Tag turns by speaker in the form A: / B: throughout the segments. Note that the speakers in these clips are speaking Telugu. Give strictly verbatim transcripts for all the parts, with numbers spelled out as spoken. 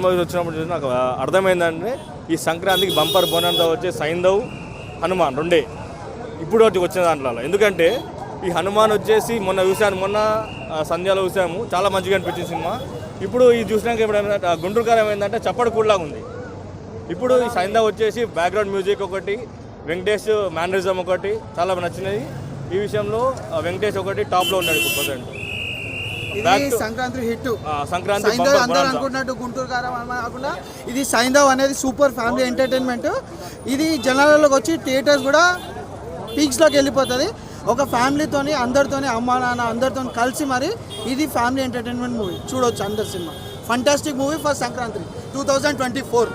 A: మూవీస్ వచ్చినప్పుడు చూసి నాకు అర్థమైందంటే ఈ సంక్రాంతికి బంపర్ బోనంతో వచ్చే సైంధవ్ హనుమాన్ రెండే ఇప్పుడు వచ్చి వచ్చిన దాంట్లో. ఎందుకంటే ఈ హనుమాన్ వచ్చేసి మొన్న చూశాను, మొన్న సంధ్యాలో చూసాము, చాలా మంచిగా అనిపించింది సినిమా. ఇప్పుడు ఇది చూసినాక ఇప్పుడు ఏమైందంటే గుంటూరు కారం ఏంటంటే చప్పటి కూడలాగా ఉంది. ఇప్పుడు ఈ సైంధవ్ వచ్చేసి బ్యాక్గ్రౌండ్ మ్యూజిక్ ఒకటి, వెంకటేష్ మేనరిజం ఒకటి చాలా నచ్చినది. ఈ విషయంలో వెంకటేష్ ఒకటి టాప్లో ఉన్నాడు ఇప్పుడు ప్రజెంట్.
B: ఇది సంక్రాంతి హిట్.
A: సంక్రాంతి
B: సైంధవ్ అందరూ అనుకున్నట్టు గుంటూరు కారం కాకుండా ఇది సైంధవ్ అనేది సూపర్ ఫ్యామిలీ ఎంటర్టైన్మెంట్. ఇది జనాలలోకి వచ్చి థియేటర్స్ కూడా పీక్స్లోకి వెళ్ళిపోతుంది. ఒక ఫ్యామిలీతోని అందరితోని అమ్మ నాన్న అందరితో కలిసి మరి ఇది ఫ్యామిలీ ఎంటర్టైన్మెంట్ మూవీ చూడవచ్చు అందరు. సినిమా fantastic movie for Sankranti two thousand twenty four.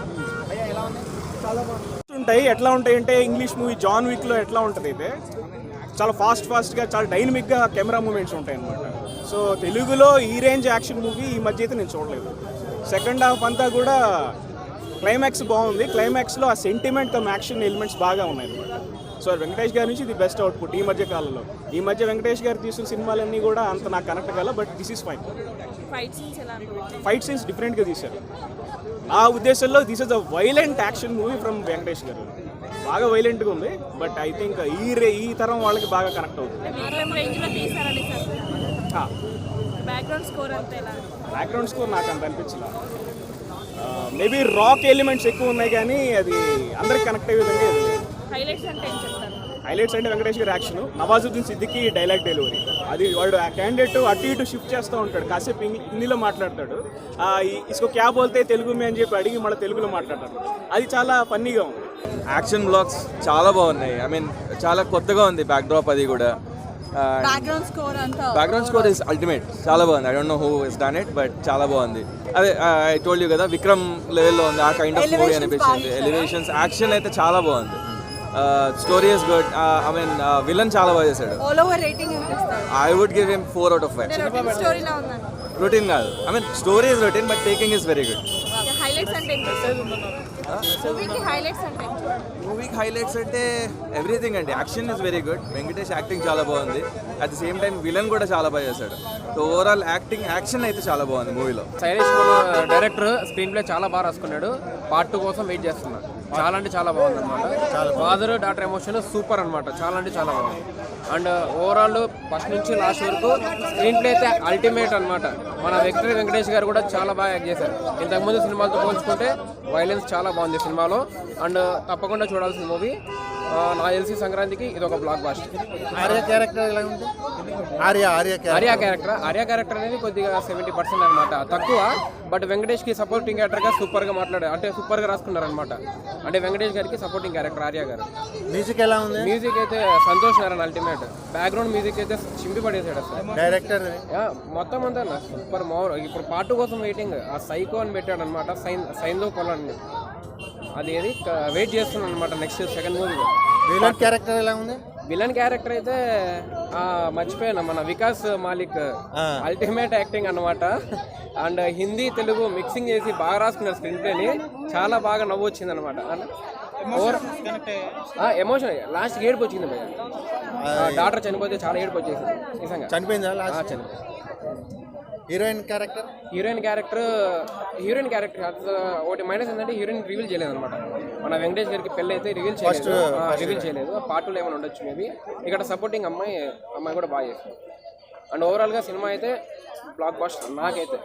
C: ఉంటాయి ఎట్లా ఉంటాయి అంటే ఇంగ్లీష్ మూవీ జాన్ విక్లో ఎట్లా ఉంటుంది అయితే చాలా ఫాస్ట్ ఫాస్ట్గా చాలా డైనమిక్గా కెమెరా మూమెంట్స్ ఉంటాయి అన్నమాట. సో తెలుగులో ఈ రేంజ్ యాక్షన్ మూవీ ఈ మధ్య అయితే నేను చూడలేదు. సెకండ్ హాఫ్ అంతా కూడా క్లైమాక్స్ బాగుంది. క్లైమాక్స్లో ఆ సెంటిమెంట్ కమ్ యాక్షన్ ఎలిమెంట్స్ బాగా ఉన్నాయి అన్నమాట. సో వెంకటేష్ గారి నుంచి ఇది బెస్ట్ అవుట్పుట్ ఈ మధ్య కాలంలో. ఈ మధ్య వెంకటేష్ గారు తీసిన సినిమాలన్నీ కూడా అంత నాకు కనెక్ట్ కాల, but this is fine. Fight scenes డిఫరెంట్గా తీశారు. ఆ ఉద్దేశంలో this is a violent action movie from Venkatesh garu. బాగా వైలెంట్గా ఉంది, బట్ ఐ థింక్ ఈ రే ఈ తరం వాళ్ళకి బాగా కనెక్ట్ అవుతుంది. బ్యాక్గ్రౌండ్ స్కోర్ నాకు అంత అనిపించలే. మేబీ రాక్ ఎలిమెంట్స్ ఎక్కువ ఉన్నాయి కానీ అది అందరికి కనెక్ట్ అయ్యే విధంగా హైలైట్స్ అంటే వెంకటేష్ గారి action, Nawazuddin Siddiqui dialogue delivery. అది వాడు ఆ క్యాండిడేట్ అటు ఇటు షిఫ్ట్ చేస్తూ ఉంటాడు, కాసేపు హిందీలో మాట్లాడతాడు, ఇసుకో క్యా బోల్తే తెలుగు మే అని చెప్పి అడిగి మళ్ళీ తెలుగులో మాట్లాడతాడు. అది చాలా ఫన్నీగా ఉంది.
D: యాక్షన్ బ్లాక్స్ చాలా బాగున్నాయి. ఐ మీన్ చాలా కొత్తగా ఉంది బ్యాక్ డ్రాప్. అది కూడా
E: బ్యాక్గ్రౌండ్ స్కోర్ అంతా
D: బ్యాక్గ్రౌండ్ స్కోర్ ఇస్ అల్టిమేట్. చాలా బాగుంది. I don't know who is done it, but చాలా బాగుంది. అదే ఐ టోల్డ్ యూ కదా, విక్రమ్ లెవెల్లో ఉంది ఆ కైండ్ ఆఫ్ మూవీ అనిపించింది. ఎలివేషన్స్, యాక్షన్ అయితే చాలా బాగుంది. Story is good. I mean villain చాలా బాగా చేశాడు. I would give him four out of five. Routine కాదు, I mean story is routine but taking is very good. మూవీకి హైలైట్స్ అంటే ఎవ్రీథింగ్ అండి. Action is very good. Venkatesh acting చాలా బాగుంది. At the same time villain కూడా చాలా బాగా చేశాడు. సో ఓవరాల్ యాక్టింగ్ యాక్షన్ అయితే చాలా బాగుంది మూవీలో.
F: శైలేష్ డైరెక్టర్ స్క్రీన్ ప్లే చాలా బాగా రాసుకున్నాడు. పార్ట్ టూ కోసం వెయిట్ చేస్తున్నాడు. చాలా అంటే చాలా బాగుంది అనమాట. ఫాదర్ డాటర్ ఎమోషన్ సూపర్ అనమాట. చాలా అంటే చాలా బాగుంది. అండ్ ఓవరాల్ ఫస్ట్ నుంచి లాస్ట్ వరకు స్క్రీన్ ప్లే అయితే అల్టిమేట్ అనమాట. మన వెంకట వెంకటేష్ గారు కూడా చాలా బాగా యాక్ట్ చేశారు. ఇంతకుముందు సినిమాలతో పోల్చుకుంటే వైలెన్స్ చాలా బాగుంది సినిమాలో. అండ్ తప్పకుండా చూడాల్సిన మూవీ. నాకు తెలిసి సంక్రాంతికి ఇది ఒక బ్లాక్ బాస్టర్.
B: ఆర్య క్యారెక్టర్ ఎలా ఉంది? ఆర్య ఆర్య
F: ఆర్య క్యారెక్టర్ ఆర్య క్యారెక్టర్ అనేది కొద్దిగా సెవెంటీ పర్సెంట్ అనమాట తక్కువ. బట్ వెంకటేష్ కి సపోర్టింగ్ క్యారెక్టర్గా సూపర్గా మాట్లాడారు, అంటే సూపర్గా రాసుకున్నారు అనమాట. అంటే వెంకటేష్ గారికి సపోర్టింగ్ క్యారెక్టర్ ఆర్య గారు.
B: మ్యూజిక్ ఎలా ఉంది?
F: మ్యూజిక్ అయితే Santhosh Narayana ultimate. Background music అయితే చింపి పడేసాడు అసలు.
B: డైరెక్టర్
F: మొత్తం అంతా సూపర్ మోర్. ఇప్పుడు పార్ట్ కోసం వెయిటింగ్. ఆ సైకో అని పెట్టాడు అనమాట, సైన్ సైన్లో కొలని. అది ఏది వెయిట్ చేస్తున్నాను అనమాట next second movie.
B: Villain character ఎలా ఉంది?
F: విలన్ క్యారెక్టర్ అయితే మర్చిపోయాను, మన వికాస్ మాలిక్ అల్టిమేట్ యాక్టింగ్ అనమాట. అండ్ హిందీ తెలుగు మిక్సింగ్ చేసి బాగా రాసుకున్నారు స్క్రీన్ ప్లేని. చాలా బాగా నవ్వు వచ్చింది అనమాట. ఎమోషన్ లాస్ట్ ఏడుపు వచ్చింది భయ. డాక్టర్ చనిపోతే చాలా ఏడుపు వచ్చేసింది నిజంగా.
B: చనిపోయిందా?
F: చనిపోయింది.
B: Heroine character
F: heroine character heroine character ఒకటి మైనస్ ఏంటంటే హీరోయిన్ రివీల్ చేయలేదు అనమాట. మన వెంకటేష్ గారికి పెళ్ళి అయితే రివీల్ చేయలేదు రివీల్ చేయలేదు పార్ట్ టూలో ఏమైనా ఉండొచ్చు మేబీ. ఇక్కడ సపోర్టింగ్ అమ్మాయి అమ్మాయి కూడా బాగా చేస్తుంది. అండ్ ఓవరాల్గా సినిమా అయితే బ్లాక్ బస్టర్ నాకైతే.